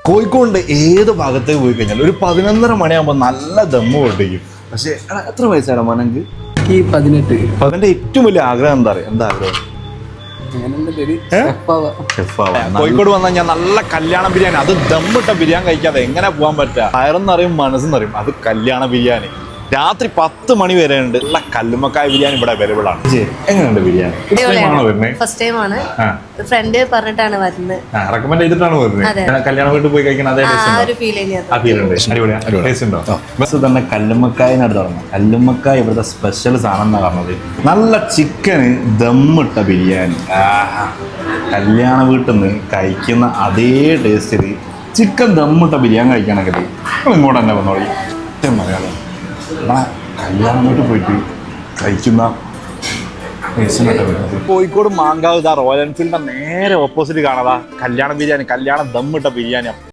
കോഴിക്കോടിന്റെ ഏത് ഭാഗത്തേക്ക് പോയി കഴിഞ്ഞാൽ ഒരു 11:30 മണിയാകുമ്പോൾ നല്ല ദമ്മ് പൊട്ടിക്കും. പക്ഷെ എത്ര വയസ്സാണ് മോനക്ക്? ഈ 18. അതിന്റെ ഏറ്റവും വലിയ ആഗ്രഹം എന്താ അറിയാം? എന്താ ആഗ്രഹം? കോഴിക്കോട് വന്നു കഴിഞ്ഞാൽ നല്ല കല്യാണ ബിരിയാണി, അത് ദമ്മിട്ട ബിരിയാണി കഴിക്കാതെ എങ്ങനെ പോകാൻ പറ്റുക? വയറെന്നറിയും മനസ്സെന്നറിയും, അത് കല്യാണ ബിരിയാണി. രാത്രി 10 മണി വരെ ഉണ്ട്. ഉള്ള കല്ലുമ്മക്കായ ബിരിയാണി ഇവിടെ അവൈലബിൾ ആണ്. എങ്ങനെയുണ്ട് ബിരിയാണി? ഫസ്റ്റ് ടൈം ആണ്. ഫ്രണ്ട് പറഞ്ഞിട്ടാണ് വരുന്നത്. റെക്കമെൻഡ് ചെയ്തിട്ടാണ് വരുന്നത്. കല്യാണ വീട്ടിൽ പോയി കഴിക്കണം അതേ ബസ് തന്നെ. കല്ലുമ്മക്കായനടുത്ത് തുടങ്ങും. കല്ലുമ്മക്കായ ഇവിടുത്തെ സ്പെഷ്യൽ സാധനം എന്നാ പറഞ്ഞത്. നല്ല ചിക്കന് ദമ്മിട്ട ബിരിയാണി. കല്യാണ വീട്ടിൽ നിന്ന് കഴിക്കുന്ന അതേ ടേസ്റ്റിൽ ചിക്കൻ ദമ്മിട്ട ബിരിയാണി കഴിക്കണമെങ്കിൽ നിങ്ങൾ ഇങ്ങോട്ട് തന്നെ വന്നോളി. മലയാളം കല്യാണം വീട്ടിൽ പോയിട്ട് കഴിക്കുന്ന കോഴിക്കോട് മാങ്കാവ് റോയൽ എൻഫീൽഡിന്റെ നേരെ ഓപ്പോസിറ്റ് കാണാതാ കല്യാണ ബിരിയാണി, കല്യാണം ദമ്മിട്ട ബിരിയാണി.